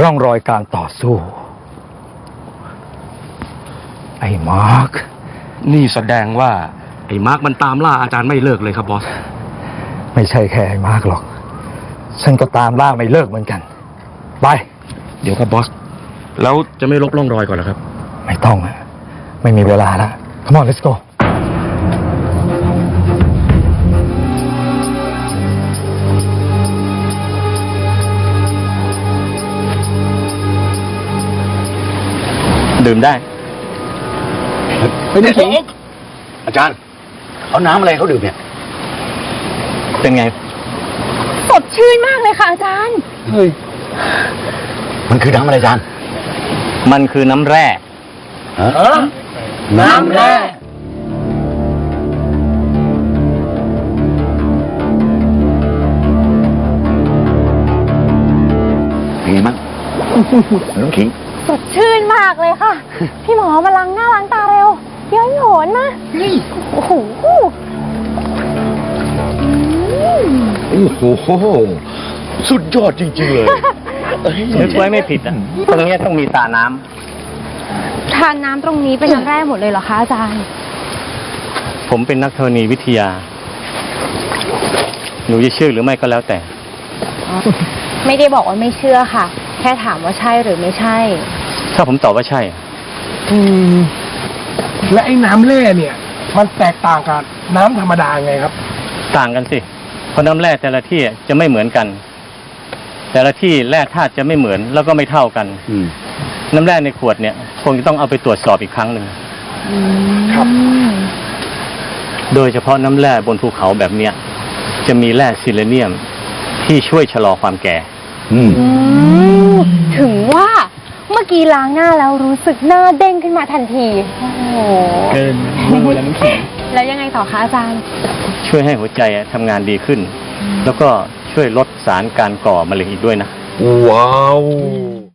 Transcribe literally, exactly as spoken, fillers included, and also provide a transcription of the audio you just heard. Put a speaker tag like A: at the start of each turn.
A: ร่องรอยการต่อสู้ไอ้มาร์ค
B: นี่แสดงว่าไอ้มาร์คมันตามล่าอาจารย์ไม่เลิกเลยครับบอส
A: ไม่ใช่แค่ไอ้มาร์คหรอกฉันก็ตามล่าไม่เลิกเหมือนกันไป
B: เดี๋ยวครับบอสแล้วจะไม่ลบร่องรอยก่อนเหรอครับ
A: ไม่ต้องอะไม่มีเวลาแล้ว Come on let's go
C: ดื่มได้
B: ไม่ได้สิอาจารย์เอาน้ำอะไรเขาดื่มเนี่ย
C: เป็นไง
D: สดชื่นมากเลยค่ะอาจารย์
B: เฮ้ยมันคือน้ำอะไรอาจารย์
C: มันคือน้ำแร่
B: ฮะน้ำแร่เป็นไงมั้งน้องขิง
D: สดชื่นมากเลยค่ะ พี่หมอมาล้างหน้าล้างตาเร็วเดี๋ยวโหนนะโอ้โห
B: โอ้โหสุดยอดจริงๆเลย
C: นึกไว้ไม่ผิดอ่ะตรงนี้ต้องมีตาน้ำ
D: ทานน้ำตรงนี้เป็นน้ำแร่หมดเลยเหรอคะอาจารย์
C: ผมเป็นนักธรณีวิทยาหนูจะเชื่อหรือไม่ก็แล้วแต่
D: ไม่ได้บอกว่าไม่เชื่อค่ะแค่ถามว่าใช่หรือไม่ใช่
C: ถ้าผมตอบว่าใช่
E: อืมและไอ้น้ำแร่เนี่ยมันแตกต่างกับน้ำธรรมดาไงครับ
C: ต่างกันสิเพราะน้ำแร่แต่ละที่จะไม่เหมือนกันแต่ละที่แร่ธาตุจะไม่เหมือนแล้วก็ไม่เท่ากันน้ำแร่ในขวดเนี่ยคงจะต้องเอาไปตรวจสอบอีกครั้งหนึ่ง
E: ครับ
C: โดยเฉพาะน้ำแร่บนภูเขาแบบเนี้ยจะมีแร่ซิเลเนียมที่ช่วยชะลอความแก่
D: ถึงว่าเมื่อกี้ล้างหน้าแล้วรู้สึกหน้าเด้งขึ้นมาทันทีโอ้โห
C: เกินมือแล้วน้ำแข็ง
D: แล้วยังไงต่อคะอาจารย์
C: ช่วยให้หัวใจทำงานดีขึ้นแล้วก็ช่วยลดสารการก่อมะเร็งอีกด้วยนะ
B: ว้าว